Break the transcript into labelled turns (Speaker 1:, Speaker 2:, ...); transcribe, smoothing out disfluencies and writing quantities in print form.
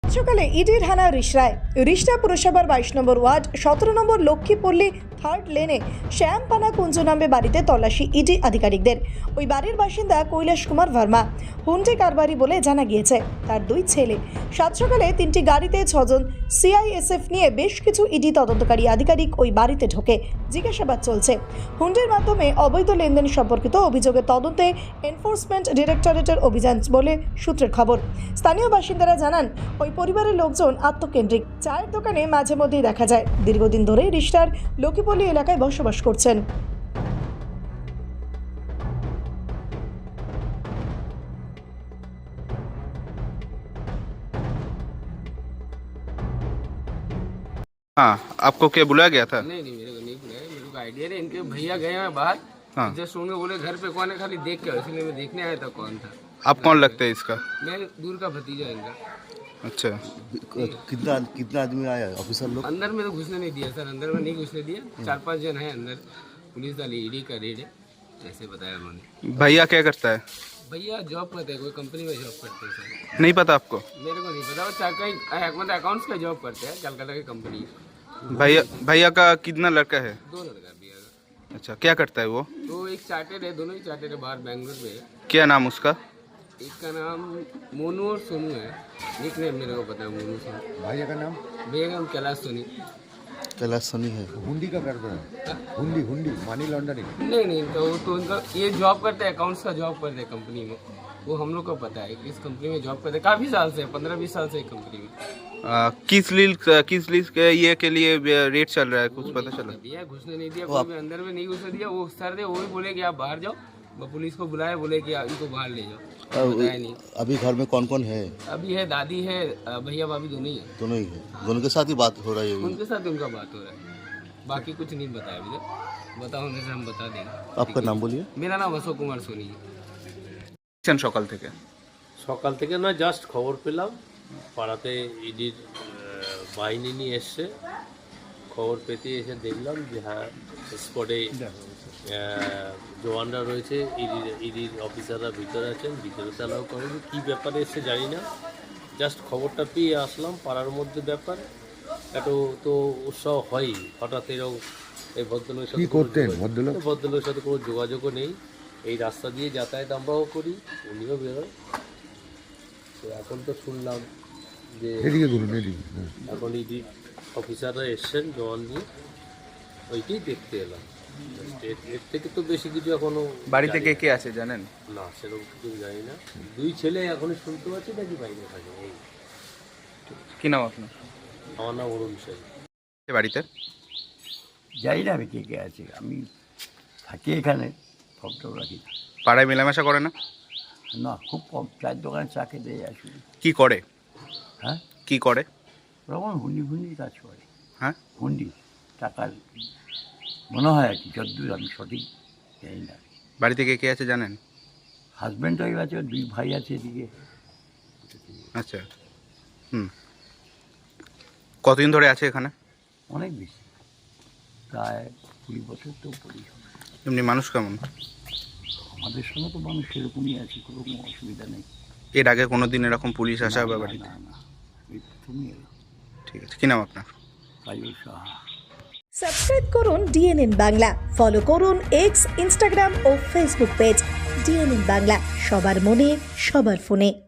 Speaker 1: সকালে ইডির হানা রিষড়ায় রিষড়া পুরসভার 22 নম্বর ওয়ার্ড 17 নম্বর লক্ষ্মীপল্লী থার্ড লেনে শ্যামপানা কুঞ্জ নামে বাড়িতে তল্লাশি ইডি আধিকারিকদের। ওই বাড়ির বাসিন্দা কৈলাস কুমার ভার্মা হুন্ডি কারবারি বলে জানা গিয়েছে। তার দুই ছেলে। সাত সকালে 3টি গাড়িতে 6 জন সিআইএসএফ নিয়ে বেশ কিছু ইডি তদন্তকারী আধিকারিক ওই বাড়িতে ঢোকে। জিজ্ঞাসাবাদ চলছে। হুন্ডির মাধ্যমে অবৈধ লেনদেন সম্পর্কিত অভিযোগের তদন্তে এনফোর্সমেন্ট ডিরেক্টরেটের অভিযান বলে সূত্রের খবর। স্থানীয় বাসিন্দারা জানান, ওই পরিবারের লোকজন আত্মকেন্দ্রিক। চায়ের দোকানে মাঝে মধ্যেই দেখা যায়। দীর্ঘদিন ধরে রিষড়ার লক্ষ্মীপল্লী এলাকায় বসবাস করছেন।
Speaker 2: हाँ, आपको क्या बुलाया गया था?
Speaker 3: नहीं मेरे को नहीं बुलाया। मेरे को आइडिया नहीं। इनके भैया गए हैं बाहर।
Speaker 2: हाँ।
Speaker 3: जस्ट उन्होंने बोले घर पे कौन है, खाली देख के, इसलिए मैं देखने आया था कौन था।
Speaker 2: आप कौन लगते हैं इसका?
Speaker 3: मैं दूर का भतीजा है इनका।
Speaker 2: अच्छा,
Speaker 4: कितना आदमी आया ऑफिसर लोग?
Speaker 3: अंदर में तो घुसने नहीं दिया सर, अंदर में नहीं घुसने दिया। 4-5 जन है अंदर। पुलिस वाली ईडी का रेड है, ऐसे बताया उन्होंने।
Speaker 2: भैया क्या करता है?
Speaker 3: भैया जॉब करते हैं, कोई कंपनी में जॉब करते हैं सर।
Speaker 2: नहीं पता आपको?
Speaker 3: मेरे को नहीं पता। वो कहीं मतलब अकाउंट्स का जॉब करते हैं, कलकत्ता की कंपनी।
Speaker 2: भैया का कितना लड़का है?
Speaker 3: 2 लड़का भैया का।
Speaker 2: अच्छा, क्या करता है वो?
Speaker 3: तो एक चार्टेड है, दोनों ही चार्टेड है, बाहर बैंगलोर में है।
Speaker 2: क्या नाम उसका?
Speaker 3: एक का नाम मोनू और सोनू है। निक नेम मेरे को पता है, मोनू सोनू।
Speaker 4: भैया का नाम?
Speaker 3: भैया का नाम कैलाश सोनी।
Speaker 4: कैलाश सनी है। हुंडी का कारोबार है? हुंडी मनी लॉन्ड्रिंग?
Speaker 3: नहीं इनका वो तो इनका ये जॉब करते हैं, अकाउंट्स का जॉब करते हैं कंपनी में। वो हम लोग को पता है कि इस कंपनी में जॉब करते हैं काफ़ी साल से, 15-20 साल से एक कंपनी में।
Speaker 2: किस लीज के ये के लिए रेट चल रहा है, कुछ पता चला?
Speaker 3: दिया घुसने नहीं दिया, कोई भी अंदर में नहीं घुसने दिया। वो सर थे, वो भी बोले कि आप बाहर जाओ। वो पुलिस को बुलाए, बोले कि इनको बाहर ले जाओ। बताया नहीं।
Speaker 4: अभी घर में कौन कौन है?
Speaker 3: अभी है दादी है, भैया भाभी दोनों ही है।
Speaker 4: दोनों ही है। दोनों के साथ ही बात हो रही है?
Speaker 3: उनके साथ उनका बात हो रहा है, बाकी कुछ नहीं बताया अभी तक। बताओ उनसे हम बता देंगे।
Speaker 4: आपका नाम बोलिए।
Speaker 3: मेरा नाम अशोक कुमार सोनी है।
Speaker 2: সকাল থেকে
Speaker 5: সকাল থেকে না, জাস্ট খবর পেলাম পাড়াতে ইডির বাহিনী নিয়ে এসছে। খবর পেতে এসে দেখলাম যে হ্যাঁ, স্পটে জওয়ানরা রয়েছে, ইডির অফিসাররা ভিতরে আছেন, ভিতরে চালাও করেনি। কী ব্যাপারে এসছে জানি না, জাস্ট খবরটা পেয়ে আসলাম। পাড়ার মধ্যে ব্যাপার এত তো উৎসাহ হয়ই। হঠাৎ এরকম এই ভদ্রলোকের সাথে ভদ্রলোকের সাথে কোনো যোগাযোগও নেই। এই রাস্তা দিয়ে যাতায়াত আমরাও করি, উনিও বেরোয়। তো এখন তো শুনলাম যে এখন ইডি অফিসাররা এসছেন জওয়ান নিয়ে, ওইটাই দেখতে এলাম। এর থেকে তো বেশি কিছু এখনো
Speaker 2: বাড়িতে কে কে আছে জানেন?
Speaker 5: না, সেরকম কিছু জানি না। 2 ছেলে এখনই শুনতে পাচ্ছি নাকি বাইরে থাকে। এই
Speaker 2: কি নাম আপনার?
Speaker 5: আমার নাম অরুণ সেন।
Speaker 2: বাড়িতে
Speaker 6: যাই না আমি কে কে আছে, আমি থাকি এখানে, ফটো রাখি
Speaker 2: পাড়ায় মেলামেশা করে না?
Speaker 6: না, খুব কম। চায়ের দোকানে চা খেতে আসি।
Speaker 2: কি করে?
Speaker 6: হ্যাঁ,
Speaker 2: কি করে?
Speaker 6: ওরকম হুন্ডি কাজ করে।
Speaker 2: হ্যাঁ,
Speaker 6: হুন্ডি টাকার মনে হয় আর কি, যদ্দূর আমি সঠিক জানি না।
Speaker 2: বাড়িতে কে কে আছে জানেন?
Speaker 6: হাজব্যান্ড ওয়াইফ আছে, 2 ভাই আছে এদিকে।
Speaker 2: আচ্ছা, কতদিন ধরে আছে এখানে?
Speaker 6: অনেক বেশি, প্রায় 20 বছর তো পড়ি।
Speaker 2: এমনি মানুষ কেমন?
Speaker 6: আমাদের সঙ্গে তো মানুষ সেরকমই আছে, কোনো অসুবিধা নেই।
Speaker 2: এর আগে কোনো দিন এরকম পুলিশ আসা বা বাড়িতে?
Speaker 6: না, তুমি
Speaker 2: ঠিক আছে, কি নাম আপনার?
Speaker 6: কাজল সাহা।
Speaker 1: সাবস্ক্রাইব করুন ডিএনএন বাংলা, ফলো করুন এক্স, ইনস্টাগ্রাম ও ফেসবুক পেজ ডিএনএন বাংলা। সবার মনে, সবার ফোনে।